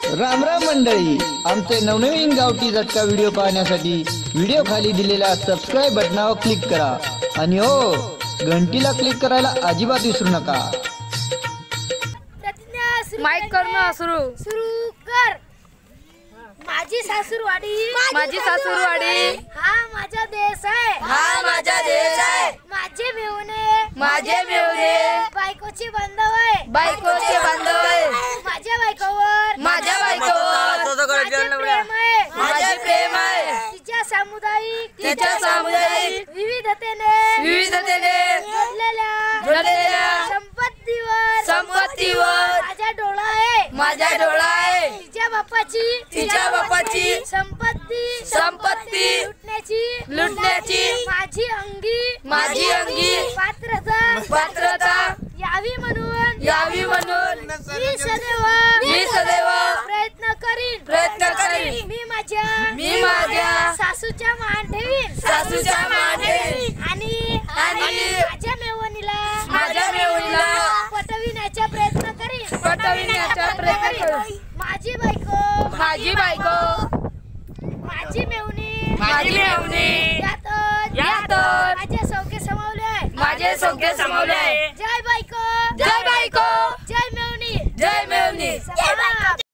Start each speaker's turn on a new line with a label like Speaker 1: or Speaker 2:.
Speaker 1: राम राम मंडळी, आमचे नवनवीन गावठी झटका व्हिडिओ पाहण्यासाठी व्हिडिओ खाली दिलेल्या सबस्क्राइब बटनावर क्लिक करा आणि हो, घंटीला क्लिक करायला अजिबात विसरू नका।
Speaker 2: माइक करणं सुरू कर। माझी सासूरवाडी हा माझा देश आहे, माझे मेवणे बायकोचे बांधव आहे, माझ्या बायकोवर माझे प्रेम आहे, तिच्या सामुदायिक विविधतेने जोडलेल्या संपत्तीवर माझा डोळा आहे, तिच्या बापाची संपत्ती लुटण्याची माझी अंगी पात्रता यावी म्हणून मी सदैव प्रयत्न करीन। मी माझ्या सासूच्या मान ठेवीन आणि माझ्या मेवणीला पटविण्याचा प्रयत्न करीन। माझी बायको माझी मेवणी यात माझे सौख्य समावले आहे। जय